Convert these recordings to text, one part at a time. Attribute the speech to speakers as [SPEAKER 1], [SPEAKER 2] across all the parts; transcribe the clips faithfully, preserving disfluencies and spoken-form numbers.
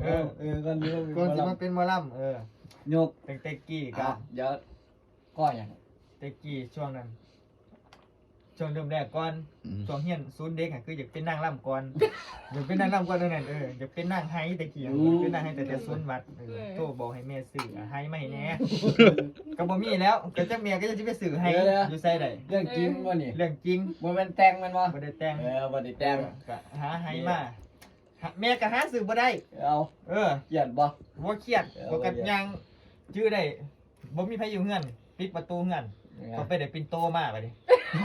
[SPEAKER 1] อเออก่อนนี้
[SPEAKER 2] ก่อนสิมาเป็นหมอลำเออย
[SPEAKER 1] ก
[SPEAKER 2] เต็กเต็กกี้
[SPEAKER 1] อ่ะ
[SPEAKER 2] กับ
[SPEAKER 1] เดี๋ยวก็อย่าง
[SPEAKER 2] เต็กกี้ช่วงนั้นช่วงเริ่มแรกก่อนช่วงเฮียนศูนย์เด็กอ่ะคืออยากเป็นนางรำก่อนอยากเป็นนางรำก่อนเท่านั้นเอออยากเป็นนางไฮตะกี้อยากเป็นนางไฮแต่แต่ศูนย์วัดเออโทรบอกให้แม่ซื้อไฮไม่แน่ก็บ่มีแล้วก็จักแม่ก็จะไปซื้อไฮอยู่ไสได้
[SPEAKER 1] เรื่องจริงวะนี่
[SPEAKER 2] เรื่องจริง
[SPEAKER 1] มันเป็นแต่งมันวะ
[SPEAKER 2] บ่ได้แต่ง
[SPEAKER 1] เออวันนี้แต่ง
[SPEAKER 2] ก็หาไฮมาหาแม่ก็หาซื้อบ่ได้
[SPEAKER 1] เอา
[SPEAKER 2] เออ
[SPEAKER 1] เกลียดบ่
[SPEAKER 2] บ่เครียดบ่กันยังชื่อได้บ่มีไผอยู่เฮือนปิดประตูเฮือนก็ไปได้ปิ่นโตมาบัดนี้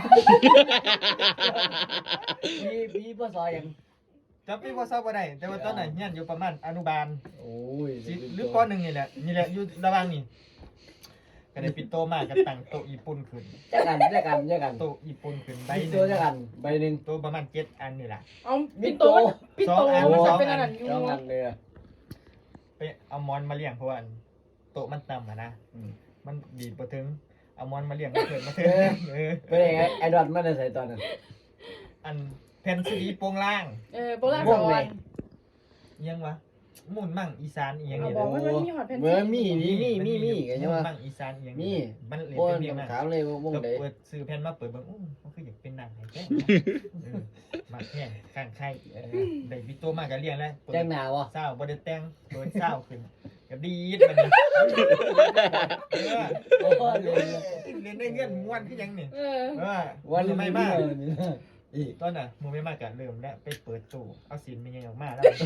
[SPEAKER 1] พี่พี่พ่อซอยยัง
[SPEAKER 2] จำปีบ่เศร้าบ่ได้แต่ว่าตอนนั้นเฮียนอยู่ประมาณอนุบาล
[SPEAKER 1] โอ้ย
[SPEAKER 2] สิหรือปหนึ่งนี่แหละนี่แหละอยู่ระหว่างนี่ก็ได้ปิ่นโตมาก็ตั้งโต๊ะญี่ปุ่นขึ้น
[SPEAKER 1] เจอกันเจอกันเจอกัน
[SPEAKER 2] โต๊ะญี่ปุ่นขึ้นใบ
[SPEAKER 1] ใบ
[SPEAKER 2] ห
[SPEAKER 1] ตัว
[SPEAKER 2] นึ
[SPEAKER 1] เจอง กันใบหนึ่ง
[SPEAKER 2] โต๊ะประมาณเจ็ดอันนี่ล่ะ
[SPEAKER 3] เอาปิดโตปิดโตมันจะเป็นอะไรอยู่
[SPEAKER 1] เจ้ากันเลย
[SPEAKER 2] ไปเอามอนมาเลี้ยงเพราะว่าโต๊ะมันต่ำอ่ะนะ
[SPEAKER 1] อืม
[SPEAKER 2] มันดีดบ่ถึงเอามอนมาเลี้ยงมาเถิดมาเถิดเออ
[SPEAKER 1] เป็นไงไอ้ดอทมันได้ใส่ตอนนั้น
[SPEAKER 2] อันแผ่นซีดีโปรงล่าง
[SPEAKER 3] เออโบราณสวรรค์
[SPEAKER 2] อิหยังวะหมุนมั่งอีสานอีหยัง
[SPEAKER 3] เอา
[SPEAKER 2] นี่
[SPEAKER 3] บ
[SPEAKER 2] แห
[SPEAKER 3] อก
[SPEAKER 2] ละ
[SPEAKER 3] ว่ามันมีหอดแผ่น
[SPEAKER 1] เมื่อมีมีมีมีมีกันใช่
[SPEAKER 2] ห
[SPEAKER 1] ไหม
[SPEAKER 2] มุนมั่งอีสานอีหยัง
[SPEAKER 1] มี
[SPEAKER 2] มันเล่น
[SPEAKER 1] โอ้ย
[SPEAKER 2] เป็นเพลง
[SPEAKER 1] ต้อ
[SPEAKER 2] นะ
[SPEAKER 1] งถามเลยว่าวง
[SPEAKER 2] แล้ว
[SPEAKER 1] ไหน
[SPEAKER 2] เปิดซื้อแผ่นมาเปิดเบิ่งอู้มันคืออยากเป็นหนังไห้แจ้งเออมาแข่งข้างใครเออได้วิโตมาก็เลี้ยงแล้วเปิด
[SPEAKER 1] แจ้งหนาวะ
[SPEAKER 2] เศร้าบ่ได้แต่งเปิดเศร้าขึ้นก็ดีดบัดนี้เออ
[SPEAKER 1] โอ้ยเลย
[SPEAKER 2] เล่นได้เงื่อนม่วนคือหยังนี่
[SPEAKER 3] เออ
[SPEAKER 2] เออ
[SPEAKER 1] วัน
[SPEAKER 2] มือไม่มาก
[SPEAKER 1] อีก
[SPEAKER 2] ตอนน่ะมือไม่มากก็เริ่มแล้วไปเปิดตู้เอาสินมีไงออกมาแล้ว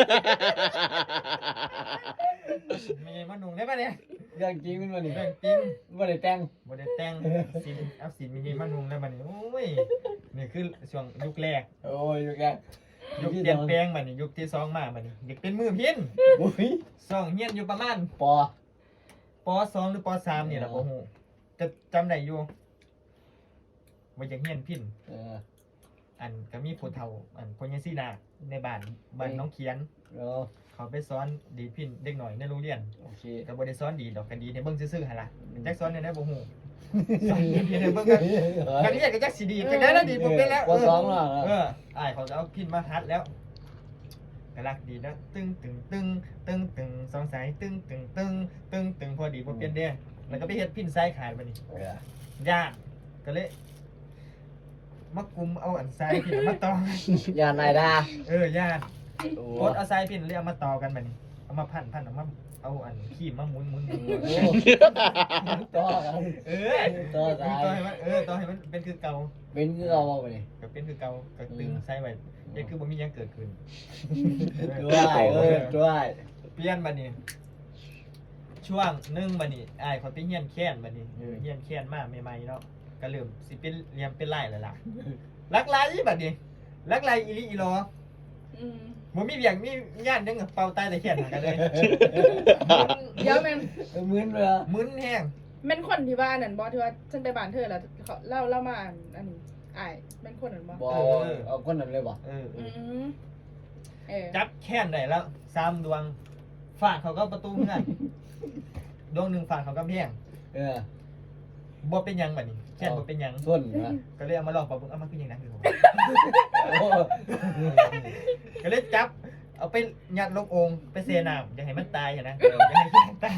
[SPEAKER 2] มีไงมานุ่งได้ปะเนี่ย
[SPEAKER 1] เรื่องจริงมันวันนี้
[SPEAKER 2] เรื่องจริง
[SPEAKER 1] วันนี้แต่ง
[SPEAKER 2] บ่ได้แต่งสินเอาสินมีไงมานุ่งแล้วบัดนี้โอ้ยนี่คือช่วงยุคแรก
[SPEAKER 1] โอ้ยอยู่แก
[SPEAKER 2] ยุคเปลี่ยนแปลงบัดนี้ยุคที่สองมาบัดนี้อยากเป็นมือพิน
[SPEAKER 1] อุ้ย
[SPEAKER 2] สองเฮียนอยู่ประมาณ
[SPEAKER 1] ปอ
[SPEAKER 2] ปสองหรือปสามนี่แหละบ่ฮู้จะจำได้อยู่ว่าอยากเฮียนพิน
[SPEAKER 1] เออ
[SPEAKER 2] อันก็มีผู้เฒ่าอันพ่อใหญ่ซีนาในบ้านบ้านน้องเขียน
[SPEAKER 1] เออ
[SPEAKER 2] เขาไปสอนดีดพินเด็กหน่อยในโรงเรียน
[SPEAKER 1] โอเค
[SPEAKER 2] ก็บ่ได้สอนดีดอกก็ดีในเบิ่งซื่อๆหั่นล่ะจักสอนได้บ่ฮู้สอนดีดในเบิ่งกันกันเรียนก็จักสิดีดจังได๋ล่ะดีดบ่เป็นแล้ว
[SPEAKER 1] ปอสองแล้ว
[SPEAKER 2] เอออ้ายเขาจะเอาพินมาหัดแล้วก็รักดีนะตึงตึงตึงตึงตึงสองสายตึงตึงตึงตึงตึงพอดีบ่เปลี่ยนเด้แล้วก็ไปเฮ็ดพินสายขาดบัดนี้
[SPEAKER 1] เออย
[SPEAKER 2] ากก็เลยมากุมเอาอันทรายพินมาต่อ
[SPEAKER 1] อย่านายดา
[SPEAKER 2] เออยาก
[SPEAKER 1] โอ้
[SPEAKER 2] โคตรเอาทรายพินเลยเอามาต่อกันบัดนี้เอามาพันพันเอามาเอาอันขี้มาหมุนหมุนหมุน
[SPEAKER 1] โหต่อกัน
[SPEAKER 2] เออ
[SPEAKER 1] ต่อ
[SPEAKER 2] ต่
[SPEAKER 1] สา
[SPEAKER 2] อย ให้มันเออต่อให้มันเป็นคือเก่า
[SPEAKER 1] เป็นคือเอาไปนี่
[SPEAKER 2] ก็เป็นคือเก่าก็ตึงใส่ไว้ยังคือบ่มีหยังเกิดขึ้น
[SPEAKER 1] ด้วยเออด้วย
[SPEAKER 2] เปลี่ยนบัดนี้ ช่วงหนึงบัดนี้อ้ายเขาไปเฮียนแค้นบัดนี้เออเฮียนแค้นมาใหม่ๆเนาะก็เริ่มสิเป็นเรียมเป็นไล่แล้วล่ะลักไล่บัดนี้ลักไล่อีหลีอีหลอ
[SPEAKER 3] อืม
[SPEAKER 2] บ่มีเวียงมีญาติยังเป่าตายแต่แค้นหากันเลย
[SPEAKER 3] เดี๋ยวแม่น
[SPEAKER 1] เหมือนเลย
[SPEAKER 2] มึนแห้ง
[SPEAKER 3] แม่นคนที่บ้านนั่นบ่ที่ว่าฉันไปบ้านเธอแล้วเขาเล่าเล่ามาอันนี้อ้ายแม่นคนนั่นบ่
[SPEAKER 1] บอเอาคนนั้นเลยบ่
[SPEAKER 2] เออเอ
[SPEAKER 3] อื
[SPEAKER 2] อ
[SPEAKER 3] มเออ
[SPEAKER 2] จับแค้นได้แล้วสามดวงฝากเขาก็ประตูเฮือนดวงหนึงฝากเขาก็แพง
[SPEAKER 1] เออ
[SPEAKER 2] บ่เป็นหยังบัดนี้แค้นบ่เป็นหยัง
[SPEAKER 1] ส่วนนะ
[SPEAKER 2] ก็เลยเอามาลองปรับปรุงเอามาคือหยังนะคือผม
[SPEAKER 1] โอ้
[SPEAKER 2] ก็เลยจับ เอาไปยัดลงโองไปเซน้ำอย่าให้มันตายนะอย่าให้มันตาย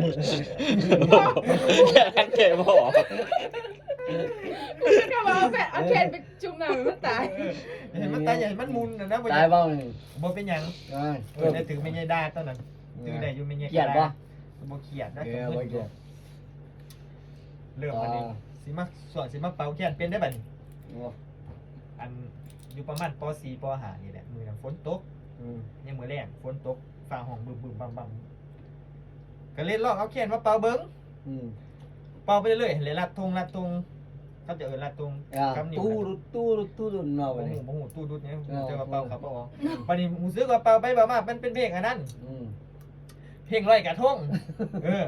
[SPEAKER 4] แค่เก็บบอก
[SPEAKER 3] กูจะกลับมาเอาแฟนเอาแขนไปจุ่มน้ำให้มันตาย
[SPEAKER 2] อย่าให้มันตายอย่าให้มันมุนนะนะบ่
[SPEAKER 1] ตายบ้างนี่
[SPEAKER 2] บ่เป็นหยัง
[SPEAKER 1] อ่า
[SPEAKER 2] เออได้ถือไม่ใช่ได้ตอนนั้นถือได้อยู่ไม่ใช่
[SPEAKER 1] เกลียดปะ
[SPEAKER 2] บ่เขียดนะ
[SPEAKER 1] เออบ่เกลียด
[SPEAKER 2] เริ่มบัดนี้สิมาส่วนสิมาเป่าแค้นเป็นได้บัดนี้
[SPEAKER 1] โอ้
[SPEAKER 2] อันอยู่ประมาณป .สี่ ป .ห้า นี่แหละมื้อนั้นฝนตก
[SPEAKER 1] อืม
[SPEAKER 2] ยังมื้อแรกฝนตกฟ้าห้องบึ้มๆบั่มๆก็เลยลองเอาแค้นมาเป่าเบิ่ง
[SPEAKER 1] อืม
[SPEAKER 2] เป่าไปเรื่อยๆเลยลัดทงลัดทงเขาจะเอิ้นลัดทง
[SPEAKER 1] อ่า
[SPEAKER 2] กับนิ้ว
[SPEAKER 1] ตู้
[SPEAKER 2] นะ
[SPEAKER 1] รุดตู้รุดตู้รุดเนาะ
[SPEAKER 2] บ่
[SPEAKER 1] บัด
[SPEAKER 2] หู
[SPEAKER 1] นี้
[SPEAKER 2] บ่หูตู้ดุดเนี่ย
[SPEAKER 1] เออ
[SPEAKER 2] เจอกับเป่าครับเป่าออกวันนี้หูซื้อกับเป่าไปเป่ามามันเป็นเพลงอันนั้น
[SPEAKER 1] อืม
[SPEAKER 2] เพลงลอยกระทงเออ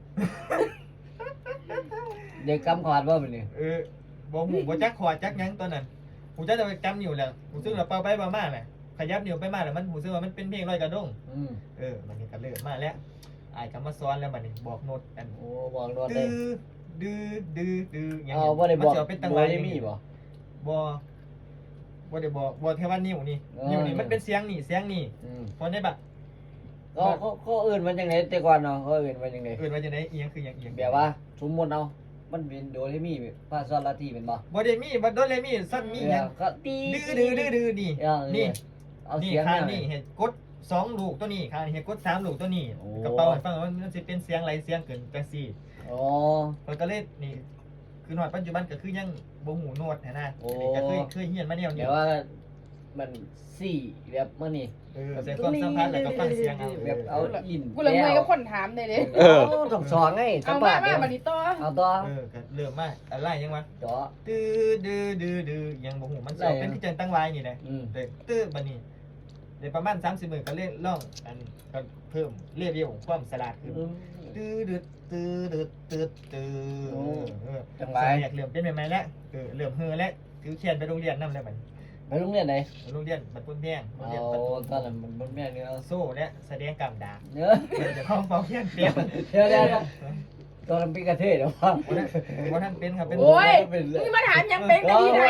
[SPEAKER 1] เด็กกำขอดว่าบัดนี้
[SPEAKER 2] เออบ่หูบ่จักขอดจักหยังตอนนั้นหูจักจะไปกำนิ้วแหละหูซื้อกับเป่าไปเป่ามาแหละขยับนิ้วไปมาแล้วมันหูซื้อว่ามันเป็นเพลงลอยกระทง
[SPEAKER 1] อืม
[SPEAKER 2] เออมันนี่ก็เริ่มมาแล้วอ้ายก็มาสอนแล้วบัดนี้บอกโน้ตอัน
[SPEAKER 1] โอ้บอกรถเล
[SPEAKER 2] ดื้
[SPEAKER 1] ย
[SPEAKER 2] อดื้อดื้อดื้อหยัง
[SPEAKER 1] เอาบ่ได้บอก
[SPEAKER 2] มันสิเอาเป็นตังห
[SPEAKER 1] บ่
[SPEAKER 2] วะ
[SPEAKER 1] ได้
[SPEAKER 2] อย่าง
[SPEAKER 1] มี
[SPEAKER 2] นี้
[SPEAKER 1] บ่
[SPEAKER 2] บ่บ่ได้บอกบ่แค่ว่านิ้วนี่
[SPEAKER 1] อ๋อ
[SPEAKER 2] นิ้วนี่มันเป็นเสียงนี่เสียงนี่
[SPEAKER 1] อืม
[SPEAKER 2] พอได้แบบ
[SPEAKER 1] เขาเขาเขาเอื่นมันยังไงแต่ก่อนเนาะเขาเอื่นมันยังไง
[SPEAKER 2] เอื่นว่าจะได้เอียงคืออย่างเอียง
[SPEAKER 1] แบบว่าสมมติเอามันเป็นโดเรมีภาษาลาติเป็นบ่
[SPEAKER 2] บ่ได้มีบ่โดนเลยมีสั้นมีหยัง
[SPEAKER 1] ก็ตี
[SPEAKER 2] ดื้อดื้อดื้อดื้อนี่
[SPEAKER 1] เออ
[SPEAKER 2] นี่
[SPEAKER 1] เอา
[SPEAKER 2] นี่
[SPEAKER 1] เสียง
[SPEAKER 2] ข้าง
[SPEAKER 1] แว
[SPEAKER 2] นี่เห็นกดสองลูกตัวนี้ข้างนี่เห็นกดสามลูกตัวนี้
[SPEAKER 1] โอ้
[SPEAKER 2] กระเป๋าให้ฟังว่ามันสิเป็นเสียงไรเสียงเกินจังซี่
[SPEAKER 1] อ๋อ
[SPEAKER 2] เพิ่นก็เลยนี่คือหอดปัจจุบันก็คือยังบ่หูโน้ตนะ
[SPEAKER 1] โอ้
[SPEAKER 2] ก็เคยเคยเฮียนมาแนว
[SPEAKER 1] เดี๋
[SPEAKER 2] นี้
[SPEAKER 1] ยวว่ามันสี่แบบมันนี่
[SPEAKER 2] เออใส่ความสัมพันธ์แล้วก็ฟังเสียงเอา
[SPEAKER 1] แบบเอาอิน
[SPEAKER 3] กูเลยเมื่อยกับคนถามเลยเด้
[SPEAKER 1] เออต้องสอนไงสั
[SPEAKER 3] เอา
[SPEAKER 1] ม
[SPEAKER 3] มา
[SPEAKER 1] ภาษณ์
[SPEAKER 3] มา
[SPEAKER 1] เดี๋ยว
[SPEAKER 3] บัดนี้ต่อ
[SPEAKER 1] เอาต่อ
[SPEAKER 2] เออก็เริ่มมาอะไรยังวะ
[SPEAKER 1] จ่อ
[SPEAKER 2] ตื้อดื้อดื้อดื้อยังบ่หูมันสิ
[SPEAKER 1] ได้
[SPEAKER 2] เอาเป็นคือจังตั้งไว้นี่แหละ
[SPEAKER 1] อืม
[SPEAKER 2] เด้ตื้อบัดนี้ได้ประมาณสามสิบมื้อก็เล่นร้องอันก็เพิ่มเลเวลความฉลาดขึ้น ตื้อดืดตื้อดืดตื้อตื้อ
[SPEAKER 1] โอ้
[SPEAKER 2] เออ
[SPEAKER 1] จังไร
[SPEAKER 2] สมัยเริ่มเป็นใหม่ๆแล้วเออเริ่มเฮือแล้วถือเขียนไปโรงเรียนนำแล้วบัด
[SPEAKER 1] ไปโรงเรียนไหน
[SPEAKER 2] โรงเรียนบัดพุ่นแพงโรง
[SPEAKER 1] เอา
[SPEAKER 2] เรียนบัดพุ่น
[SPEAKER 1] ตอนนั้นมันมันแม่เนี่ยเอา
[SPEAKER 2] โซ่และแสดงกำดาบ
[SPEAKER 1] เนื้อ
[SPEAKER 2] เดี๋ยวเข้าเฝ้าเขียนเปลี่ยน
[SPEAKER 1] เดี๋ยวเดี๋ยวเดี๋ยวตอนนั้นเป็นกระเทยเดี๋ยวว่า
[SPEAKER 2] วันนั้นวันนั้นเป็นครับเป็น
[SPEAKER 3] โอ้ยมึงมาถามยังเป็นกันที่ไหน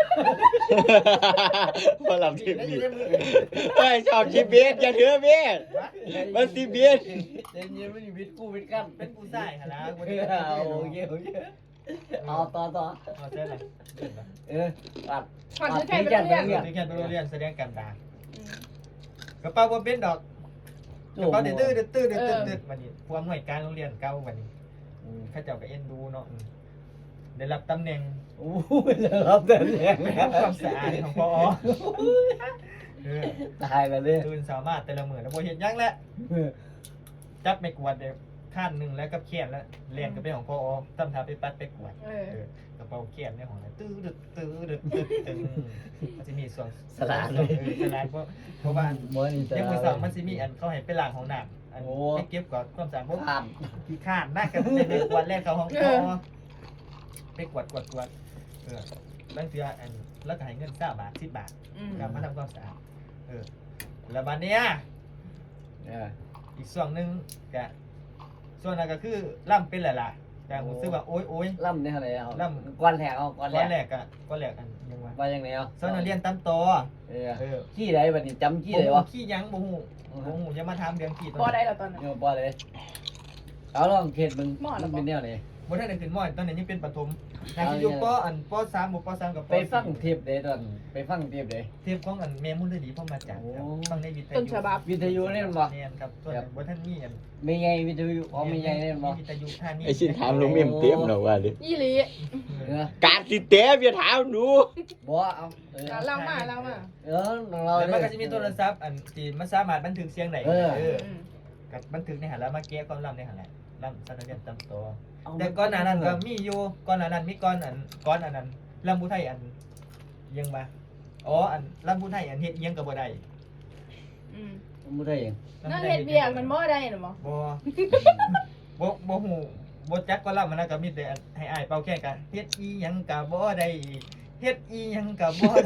[SPEAKER 4] มาหลับทีวีเฮ้ยชอบชีเบียดอย่าถือเบียด มันสิเบียด
[SPEAKER 1] เดี๋ยวเย็นมันวิทย์กูวิทย์กัน
[SPEAKER 2] เป็นผู้ชายฮะนะวัน
[SPEAKER 1] เอ
[SPEAKER 2] นี้
[SPEAKER 1] อเอาโอเคโอเคเอาต่อต่อ
[SPEAKER 2] เอาใช่ไหม
[SPEAKER 1] เออปัด
[SPEAKER 3] ก่อนซื้อไข่ไปโรงเรียน
[SPEAKER 1] เรียน
[SPEAKER 2] ถือเขียนไปโรงเรียนแสดงกำดาบกระเป๋าบ่เป็นดอกกระเป๋าเดือดตื้อเดือดตื้อเดือดตื้อเดือดวันนี้ผู้อำนวยการโรงเรียนเก่าวันนี้
[SPEAKER 1] อืม
[SPEAKER 2] ข้าเจ้าก็เอ็นดูเนาะอืมได้รับตำแหน่ง
[SPEAKER 1] โอ้ยรับแต่เรียน
[SPEAKER 2] ทำความสะอาดของพอเออ
[SPEAKER 1] ตายแล้วเนี่ย
[SPEAKER 2] ตื่นสามารถแต่ละมื้อแล้วบ่เฮ็ดหยังแล้วจับไม่กวาดเด้ขั้นหนึงแล้วกับเขียนแล้วเรียนก็เป็นของพอทำทาไปปัดไปกวาด
[SPEAKER 3] เออ
[SPEAKER 2] เออกระเป๋าเขียนในของนั้นตื้อดึดตื้อดึดตึ๊ดตึงมันสิมีส่วน
[SPEAKER 1] สลาด
[SPEAKER 2] เอ
[SPEAKER 1] เลย
[SPEAKER 2] อสลาดเพราะเพราะว่า
[SPEAKER 1] บ่นี่
[SPEAKER 2] ยังมือสองมันสิมีอันเขาให้ไปล้างห้องน้ำอัน
[SPEAKER 1] โอ้
[SPEAKER 2] ให้เก็บก่อนความสะอาดพวก
[SPEAKER 1] ผ่าน
[SPEAKER 2] ขี้ข้านน่ากันไปกวาดแรกเขาห้องพอไปกวาดกวาดกวาดเออบางเทื่ออันแล้วก็ให้เงินเก้าบาทสิบบาท
[SPEAKER 3] อืม
[SPEAKER 2] การมาทำความสะอาดเออแล้วบัดเนี้ย
[SPEAKER 1] เออ
[SPEAKER 2] อีกส่วนหนึ่งก็ส่วนนั้นก็คือล่ำเป็นแหละล่ะแต่ผมซื้อว่าโอ้ยโอ้ย
[SPEAKER 1] ล่ำเนี่ยอะไรเอา
[SPEAKER 2] ล่
[SPEAKER 1] ก้อนแหลกเอาก้อน
[SPEAKER 2] ก้อน
[SPEAKER 1] แห
[SPEAKER 2] แร
[SPEAKER 1] ลก
[SPEAKER 2] กก็ก้อนแรกอันยังว่า
[SPEAKER 1] ว่ายังไงเอา
[SPEAKER 2] ส่วนนักเรียนตามต่อ
[SPEAKER 1] เออ
[SPEAKER 2] เออ
[SPEAKER 1] ขี้ไหนบัดนี้จำขี้
[SPEAKER 2] ขี้
[SPEAKER 1] ไหนวะ
[SPEAKER 2] ขี้ยังบ่ฮู้บ่ฮู้จะมาถามเรื่องขี้ต
[SPEAKER 3] พอ
[SPEAKER 2] อน
[SPEAKER 3] ได้
[SPEAKER 2] นั้น
[SPEAKER 3] แล้วตอนนั้น
[SPEAKER 1] เนี่ยบ่เลยเอาลองเขตมึง
[SPEAKER 3] หม้อ
[SPEAKER 1] มั
[SPEAKER 3] แล้ว
[SPEAKER 1] น
[SPEAKER 3] บ่
[SPEAKER 1] เป็นแนวไหน
[SPEAKER 2] บ่ทันได้ขึ้นมอตอนนั้นยังเป็นประถมนา
[SPEAKER 1] เอา
[SPEAKER 2] ทีอยู่
[SPEAKER 1] เนี่ย
[SPEAKER 2] ปอันปสามบ่ปสามกับป
[SPEAKER 1] ไปฟัง
[SPEAKER 2] สี่
[SPEAKER 1] เทปเด้ตอนไปฟังเทปเด้
[SPEAKER 2] เทปของอันแม่มุนฤดีพ่อมาจากครับ
[SPEAKER 1] โอ้
[SPEAKER 2] ฟังในวิทยุ
[SPEAKER 3] ต้นฉบับ
[SPEAKER 1] วิทยุเล่นบ่
[SPEAKER 2] แม่นครับส่วนบ่ทันมีอัน
[SPEAKER 1] มีไงวิทยุอ๋อมีไงเล่นบ่
[SPEAKER 2] วิทยุท่านี้
[SPEAKER 4] ไอ้ชิ้นถามลุงเมี่ยมเตี้ยมหน่อยว่าดิ
[SPEAKER 3] ยี่หลี
[SPEAKER 1] เออ
[SPEAKER 4] การสิเตี้ยมอย่าถามหนู
[SPEAKER 1] บ่เอาเออ
[SPEAKER 3] อ่ะเล่ามาเล่ามา
[SPEAKER 1] เออน้องเรา
[SPEAKER 2] แล้ว
[SPEAKER 1] เล
[SPEAKER 2] มัน
[SPEAKER 1] ย
[SPEAKER 2] ก็จะมีโทรศัพท์อันที่มันสามารถบันทึกเสียงได้
[SPEAKER 1] เออ
[SPEAKER 2] เออ
[SPEAKER 3] อืม
[SPEAKER 2] กับบันทึกในหันแล้วมาแก้ความลับในหันแหละลับสันนิษฐานตามตัว
[SPEAKER 1] เอา
[SPEAKER 2] แต่ก่อนหน้านั้นก็มีอยู่ก่อนหน้านั้นมีก่อนอันก่อนอันนั้นลำพูไทยอันยังมาอ๋ออันลำพูไทยอันเฮ็ดอิหยังก็บ่ได้
[SPEAKER 3] อืม
[SPEAKER 1] บ่ได้เอง
[SPEAKER 3] นั่งเฮ็ดเบียกมันบ่ได้หรอหมอ
[SPEAKER 2] บ่บ่บ่ฮู้บ่จักก็ลำมันนะก็มีแต่อันให้อ้ายเป่าแค่กันเฮ็ดอีหยังก็บ่ได้เฮ็ดอีหยังก็บ่ได้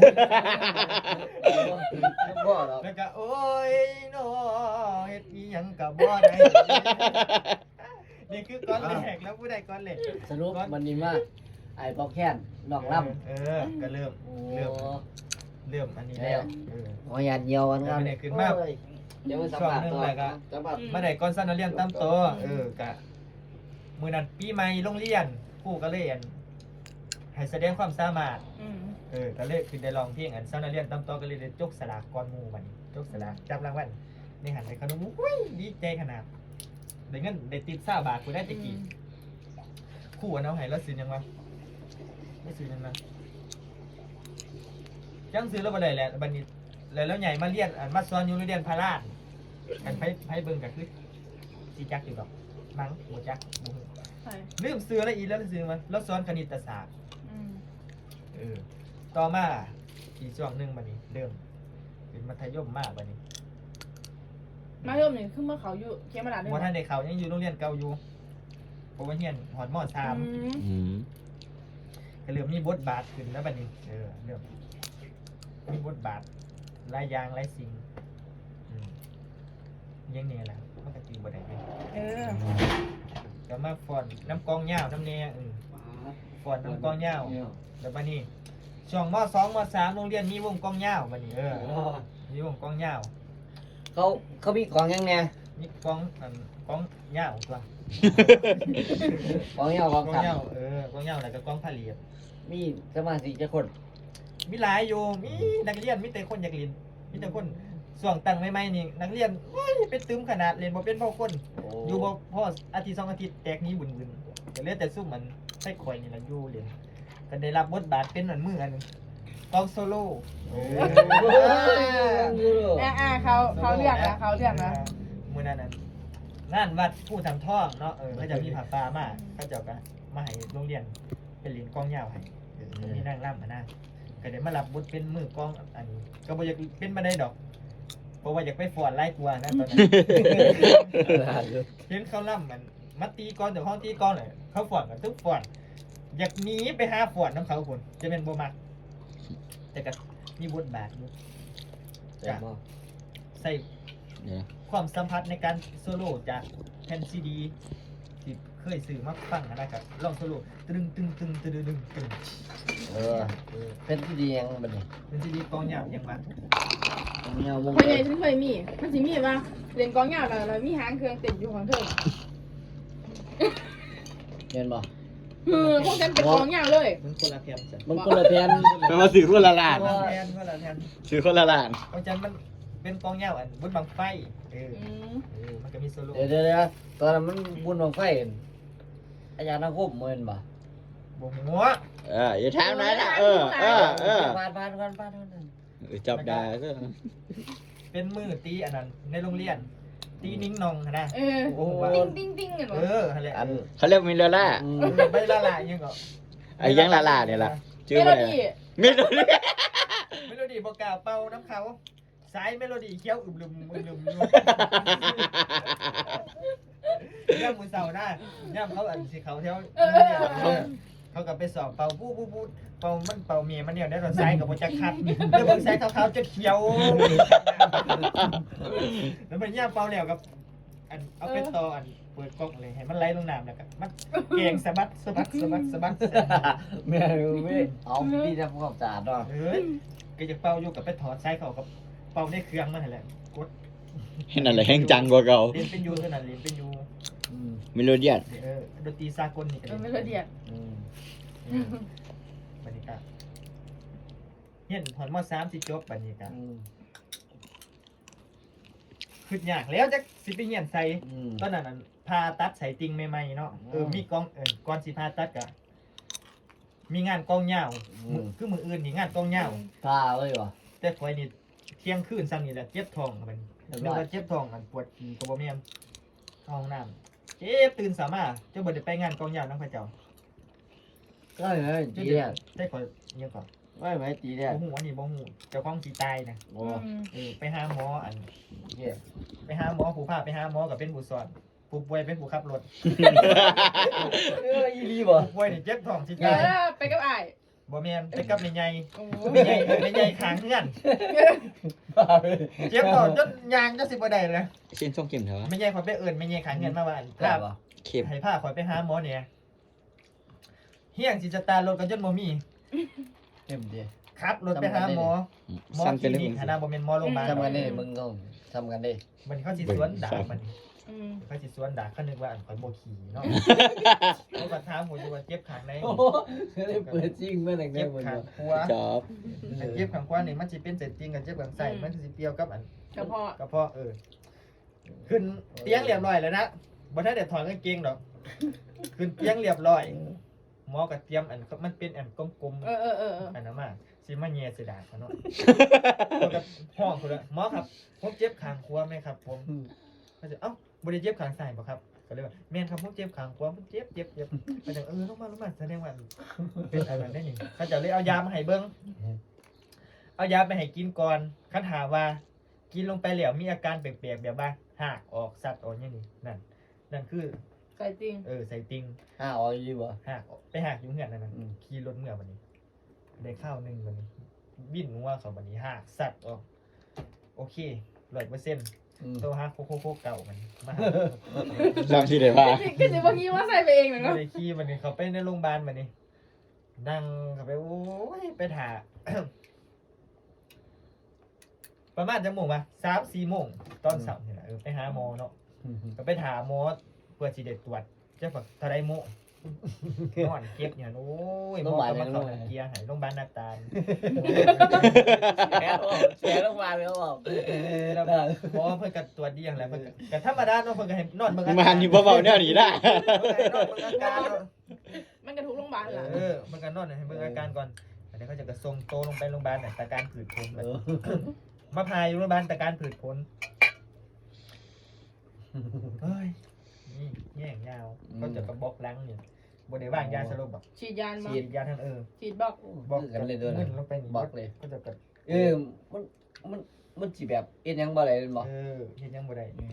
[SPEAKER 1] บ่หรอก
[SPEAKER 2] แล้วก็โอ้ยน้อเฮ็ดอีหยังก็บ่ได้นี่คือก่อนแรกแล้วผู้ใดก่อนแรก
[SPEAKER 1] สรุปมันนี่มาไอ้ปอกแค้นนอกลำ
[SPEAKER 2] เออก็เริ่ม
[SPEAKER 1] โอ้
[SPEAKER 2] เริ่มเริ่มอันนี้แล้วเออ
[SPEAKER 1] ขอหยาดเหี่ยวกันครับ
[SPEAKER 2] ไม่ได้ขึ้นมา
[SPEAKER 1] โอ้ยเดี๋ยวไปสัมภาษณ์ต่อ
[SPEAKER 2] ช่วงหนึ่งเลยก็
[SPEAKER 1] สัมภาษณ์
[SPEAKER 2] มาได้ก่อนสั้นนักเรียนตามโตวเออกะมื้อนั้นปีใหม่โรงเรียนครูก็เลยอันให้แสดงความสามารถ
[SPEAKER 3] อืม
[SPEAKER 2] เออก็เลยขึ้นได้ร้องเพลงอันสั้นนักเรียนตามโตวก็เลยได้จกสลากก่อนหมู่บัดนี้จกสลากจับรางวัลนี่หันไปขนมอุ้ยดีใจขนาดได้เงินได้ติดห้าบาทกูได้ตะกี้ครูอันเอาให้แล้วซื้อหยังวะไม่ซื้อหยังนะจังซื้อแล้วบ่ได้แหละบัดนี้แล้วแล้วใหญ่มาเรียนอันมาสอนอยู่โรงเรียนพาราดกันไผไผเบิ่งก็คือสิจักอยู่ดอกมั้งบ่จักบ่ฮู้
[SPEAKER 3] ใช่
[SPEAKER 2] ลืมซื้ออะไรอีกแล้วซื้อมาแล้วสอนคณิตศาสตร์
[SPEAKER 3] อืม
[SPEAKER 2] เออต่อมาอีกช่วงหนึงบัดนี้เริ่มเป็นมัธยมมากบัดนี้
[SPEAKER 3] มาเริ่มนี่คือเมื่อเขาอยู่เขียนมาดาด้วย
[SPEAKER 2] บ่ทันได้เข้ายังอยู่โรงเรียนเก่าอยู่เพราะว่าเรียนฮอดม .สาม
[SPEAKER 3] อืม
[SPEAKER 4] อืม
[SPEAKER 2] ก็เริ่มมีบทบาทขึ้นแล้วบัดนี้เออเริ่มมีบทบาทหลายอย่างหลายสิ่งอืมอยังนี้แหละมันก็ตีบ่ได้เลย
[SPEAKER 3] เออ
[SPEAKER 2] ก็มาฟ้อนน้ำกองยาวน้ำแน่อืมฟ้อนน้ำกองยาวแล้วบัดนี้ช่วงม .สอง ม .สาม โรงเรียนมีวงกองยาวบัดนี้เออมีวงกองยาว
[SPEAKER 1] เขาเขามีกล่องยังไง
[SPEAKER 2] มีกองอันกองเหย้าตัว
[SPEAKER 1] กองเงากอง
[SPEAKER 2] กอง
[SPEAKER 1] ขับ
[SPEAKER 2] เหย้าเออกองเหย้าแล้วก็กองผลิต
[SPEAKER 1] มีสมาชิกจะคน
[SPEAKER 2] มีหลายอยู่มีนักเรียนมีแต่คนอยากเรียนมีแต่คนส่วงตั้งใหม่ๆนี่นักเรียนโอ้ยเป็นตึมขนาดเรียนบ่เป็นพ่อคนอยู่บ่พออาทิตย์สองอาทิตย์แตกหนี้บุญๆก็เหลือแต่ซุ่มมันใส่ข่อยนี่ล่ะอยู่เรียนก็ได้รับบทบาทเป็นอันมืออันหนึงกองโซโล่เออ
[SPEAKER 3] อ่าอ่าเขาเขาเรียกนะเขาเรียกนะ
[SPEAKER 2] มื้อนั้นน่ะงานวัดผู้ทำท่องเนาะเออเขาจะมีผ้าป่ามาเขาเจ้าก็มาให้โรงเรียนเป็นเหรียญกองยาวให้เออมีนางรำมานะก็ได้มารับบทเป็นมือกองอันนี้ก็บ่อยากเป็นมาได้ดอกเพราะว่าอยากไปฟ้อนไล่กลัวนะตอนนั้น เห็นเขาล่ำมันมาตีกอนแต่ห้องตีกอนเลยเขาฟ้อนกันทุกฟ้อนอยากหนีไปหาฟ้อนน้ำเขาคนจะเป็นบ่มักแต่ก็มีบทบาทอยู่
[SPEAKER 1] แต่บ่
[SPEAKER 2] ใส่
[SPEAKER 4] เดี๋ยว
[SPEAKER 2] ความสัมพันธ์ในการโซโล่จากแผ่นซีดีที่เคยซื้อมาฟังนะครับลองโซโล่ตึงตึงตึงตึงตึงตึง
[SPEAKER 1] เออเป็นที่ดียังบัดนี้
[SPEAKER 2] เป็นซีดีกองยาวยังมาก
[SPEAKER 1] กองเงาวง
[SPEAKER 3] คนใหญ่ฉันเคยมีมันสิมีว่าเรียนกองยาวแล้วแล้วมีหางเครื่องติดอยู่ของเธอ
[SPEAKER 1] เห็นบ่
[SPEAKER 3] คือพวกฉันเป็นกองยาวเลย
[SPEAKER 2] มันคนละแผ่นจ้ะ
[SPEAKER 1] มันคนละแผ่น
[SPEAKER 4] แปลว่าสื่อคนละล้าน
[SPEAKER 2] คนละแผ่นคนละแผ่น
[SPEAKER 4] สื่อคนละล้าน
[SPEAKER 2] เพราะฉะนั้นมันเป็นกองยาวอันบุญบังไฟเออ
[SPEAKER 3] อืม
[SPEAKER 2] เออมันก็มีโซโล่
[SPEAKER 1] เดี๋ยวเดี๋ยวเดี๋ยวตอนนั้นมันบุญบังไฟอาจารย์นักคบเหมือนบ่
[SPEAKER 2] บ่หัว
[SPEAKER 4] เอออย่าถามนะนะเออเออเออ
[SPEAKER 1] ผ่านผ่านผ่านผ่านผ่าน
[SPEAKER 4] เออจับได้ก็
[SPEAKER 2] เป็นมือตีอันนั้นในโรงเรียน ตีนิ้งนองนะ
[SPEAKER 3] เออ
[SPEAKER 2] โอ้โห
[SPEAKER 3] ติ้งติ้งติ้งกัน
[SPEAKER 2] เอ
[SPEAKER 3] วะ
[SPEAKER 2] ออะไร
[SPEAKER 1] อัน
[SPEAKER 4] เขาเรียกมิลเลอร่า
[SPEAKER 1] อืม
[SPEAKER 2] ไม่ละลายยังก็
[SPEAKER 4] ไอ้ยังละลาเนี่ยล่ะ
[SPEAKER 3] เม
[SPEAKER 4] ชื่อ
[SPEAKER 3] โล
[SPEAKER 4] ว่าอะไร
[SPEAKER 3] ดี้
[SPEAKER 4] เมโลดี้
[SPEAKER 2] เมโลดี้บอกกล่าวเป่าน้ำเขาสายเมโลดี้เคี้ยวอึมลืมอึมลืมอยู่ย่ำมือเสาหน้าย่ำเขาอันสีเขาเที่ยวเขากับไปสอบเป่าปู้ปู้ปู้เป่ามันเป่าเมียมันเนี่ยได้รถไซกับโปรจักคัดแล้วบางไซเขาเขาจะเขียวแล้วมันย่ำเป่าแล้วกับอันเอาไปต่ออันเปิดกล้องเลยให้มันไหลลงน้ำแล้วกันมันเก่งสะบัดสะบัดสะบัดสะบัด
[SPEAKER 1] แม่รู้ไหมเอาพี่ทำความสะอาดเนาะ
[SPEAKER 2] เฮ้ยก็จะเป่าอยู่กับไปถอดไซเขากับเป่าในเครื่องมันนั่นแหละกด
[SPEAKER 4] เห็นอะไรแห้งจังกว่าเก่า
[SPEAKER 2] เรียนเป็นยูเท่านั้นเรียนเป็นยู
[SPEAKER 1] อืม
[SPEAKER 4] เมโลดี้
[SPEAKER 2] เออดนตรีสากลนี่ก็
[SPEAKER 3] เออเม
[SPEAKER 2] เรียน
[SPEAKER 3] โลดี้
[SPEAKER 1] อืม
[SPEAKER 2] บรรยากาศเห็นพอนมอสามสิจบบรรยากาศ
[SPEAKER 1] อืม
[SPEAKER 2] ขึ้นยากแล้วจะสิไปเหียนใส่
[SPEAKER 1] อืม
[SPEAKER 2] ตอนนั้นน่ะพาตัดใส่ติงใหม่ๆเนาะเออ
[SPEAKER 1] อืม
[SPEAKER 2] มีกองเออก่อนสิพาตัดกะมีงานกองยาว
[SPEAKER 1] อืม
[SPEAKER 2] คือมืออื่นนี่งานกองยาว
[SPEAKER 1] ท่าเลยวะ
[SPEAKER 2] แต่คอยนี่เที่ยงคืนซ้ำนี่แหละเจ็บท้องครับมัน
[SPEAKER 1] เรียบ
[SPEAKER 2] เรี
[SPEAKER 1] ร้
[SPEAKER 2] ย
[SPEAKER 1] อก ย
[SPEAKER 2] ว่าเจ็บท้องอันปวดขี้กระบอกเมียมเข้าห้องน้ำเจ็บตื่นสามารถเจ้าบ่ได้ไปงานกองยาวน้องพระเจ้า
[SPEAKER 1] ก็เลย
[SPEAKER 2] เจ้า
[SPEAKER 1] ตี
[SPEAKER 2] เด็
[SPEAKER 1] แดด
[SPEAKER 2] ได้ขอเยี่ยมก่อน
[SPEAKER 1] ไม่ไหมตีแดด
[SPEAKER 2] บ่หูอันนี้บ่หูเจ้าของสีตายนะ
[SPEAKER 1] โอ้
[SPEAKER 2] เออไปหาหมออัน
[SPEAKER 1] เหี้ย
[SPEAKER 2] ไปหาหมอผู้พาไปหาหมอกับเป็นผู้สอนผู้ป่วยเป็นผู้ขับรถ
[SPEAKER 1] เอออีรีบ่
[SPEAKER 2] ผู้ป่วยนี่เจ็บท้องสิ
[SPEAKER 3] เอ
[SPEAKER 2] ตาย
[SPEAKER 3] อไปกับไอ้
[SPEAKER 2] บ่แม่นไปกับแม่ใหญ่
[SPEAKER 3] โอ้โห
[SPEAKER 2] แม่ใหญ่แม่ใหญ่ข้างเฮือนเจ็บท้องจนยางจะสิบ่ได้เลย
[SPEAKER 4] เส้นส้มเข็มเถอะวะ
[SPEAKER 2] แม่ใหญ่ขอยไปเอิ้นแม่ใหญ่ข้างเฮือนมาว่าอัน
[SPEAKER 1] กล้า
[SPEAKER 2] พา
[SPEAKER 1] บ่
[SPEAKER 4] เข็ม
[SPEAKER 2] ให้พาขอยไปหาหมอเนี่ยเฮียงสิจะตารถกันจนบ่มี
[SPEAKER 1] เต็มดี
[SPEAKER 2] ขับรถไปหาหมอหมอ
[SPEAKER 4] สั้น
[SPEAKER 2] ค
[SPEAKER 4] ไป
[SPEAKER 2] ลิ
[SPEAKER 4] เลย
[SPEAKER 2] นิกหาหน้าบ่แม่นหมอโรงพยาบาล
[SPEAKER 1] ทำกันได้มึงต้องทำกันได้
[SPEAKER 2] มันเขาสิสวนด่ามัน
[SPEAKER 3] อืม
[SPEAKER 2] เขาสิสวนด่าเขานึกว่าอันข่อยบ่ขี่เนาะเขาก็ถามผมอยู่ว่าเจ็บข้างไหน
[SPEAKER 1] โอ้โหได้เปิดจริงเมื่อไหร่ได้
[SPEAKER 2] เจ็บ
[SPEAKER 1] หมด
[SPEAKER 2] ข้าง
[SPEAKER 1] เนาะ
[SPEAKER 2] ขวา
[SPEAKER 4] จอบ
[SPEAKER 2] อันเจ็บข้างขวานี่มันสิเป็นเศษจริงกับเจ็บข้างซ้ายมันสิเปรี้ยวกับอัน
[SPEAKER 3] กระเพาะ
[SPEAKER 2] กระเพาะเออขึ้นเตียงเรียบร้อยแล้วนะบ่ทันได้ถอดกางเกงดอกขึ้นเตียงเรียบร้อยหมอก็เตรียมอันมันเป็นอันกลม
[SPEAKER 3] เออเออเออเออ
[SPEAKER 2] ๆอันนั้นมาสิมาแย่สิดาเขาเนาะเขาก็ห้องพุ่นละหมอครับผมเจ็บข้างขวาไหมครับ ผมเขาจะเอ้าบ่ได้เจ็บข้างซ้ายบ่ครับก็เลยว่าแม่นครับผมเจ็บข้างขวาผมเจ็บเจ็บเจ็บเขาจะเออลงมาลงมาแสดงว่าเป็นอะไรได้นี่เขาจะเลยเอายามาให้เบิ่งเอายาไปให้กินก่อนคันหาว่า กินลงไปแล้วมีอาการแปลกๆแบบว่าหักออกสัตว์ออกอย่างนี้นั่นนั่นคือ
[SPEAKER 3] ใส่จริง
[SPEAKER 2] เออใส่ติง
[SPEAKER 1] ห้าออยอยู่บ่
[SPEAKER 2] หักออกไปหักอยู่เหือนนั่นน่ะ
[SPEAKER 1] อืม
[SPEAKER 2] ขี่รถเมื่อวันนี้ ได้ข้าวหนึ่งวันนี้วิ่นงัวเขาวันนี้หักสัตว์ออกโอเคร้อยเปอร์เซ็นต์
[SPEAKER 1] อืม
[SPEAKER 2] โตหักโคโคโคเก่ามันมาหา
[SPEAKER 4] จำชื่อได้ป่ะ
[SPEAKER 3] ก็สิบ่คิดว่าใส่ไปเองเหมือน
[SPEAKER 2] ไม่
[SPEAKER 3] กัน
[SPEAKER 2] ได้ขี่วันนี้เขาไปในโรงพยาบาลวันนี้นั่งเขาไปโอ้ยไปถ่า ประมาณจะโมงวะสามสี่โมงตอนเสาร์นี่แหละเออไปหาหมอเนาะก็ไปถามหมอเพื่อสิได้ตรวจจะฝักทะไดโมนอนเก็บเนี่ยโอ้ยหมอก็มาเข้าเกียร์ให้โรงพยาบาลนาตาล
[SPEAKER 1] แฉบอกแฉลงมาเลยเขาบอก
[SPEAKER 2] แล้วหมอเพิ่นก็ตรวจดีอย่างไรเพิ่นก็ธรรมดาเนาะเพิ่นก็ให้นอนเบิ่งอา
[SPEAKER 4] มา
[SPEAKER 2] การ
[SPEAKER 4] อยู่เบาๆแนวนี้ได้
[SPEAKER 2] เพิ่นก็ให้นอนเบิ่งอาการเนาะ
[SPEAKER 3] มันกระทุกโรงพยาบาลล่ะ
[SPEAKER 2] เออมันก็นอนให้เบิ่งอาการก่อนอันนี้เขาจะกระส่งโตลงไปโรงพยาบาลน่ะแต่การผืดพล
[SPEAKER 1] เออ
[SPEAKER 2] มาพายอยู่โรงพยาบาลแต่การผืดพลเฮ้ยนี่แย่งยาวเขาจะกระบอกหลังเนี่ยบ่ได้ว่างยาสลบแบบ
[SPEAKER 3] ฉีดยานมา
[SPEAKER 2] ฉีดยาทางเออ
[SPEAKER 3] ฉีดบอก
[SPEAKER 2] บอก
[SPEAKER 1] กันเลยด้วย
[SPEAKER 2] มึ
[SPEAKER 1] นะ
[SPEAKER 2] นลงไปนี่
[SPEAKER 1] บอกเลย
[SPEAKER 2] ก็จะกระ
[SPEAKER 1] เออมันมันมันสิแบบเอ็นยังบ่อะไรบ่
[SPEAKER 2] เออเฮ็ดยังบ่ได้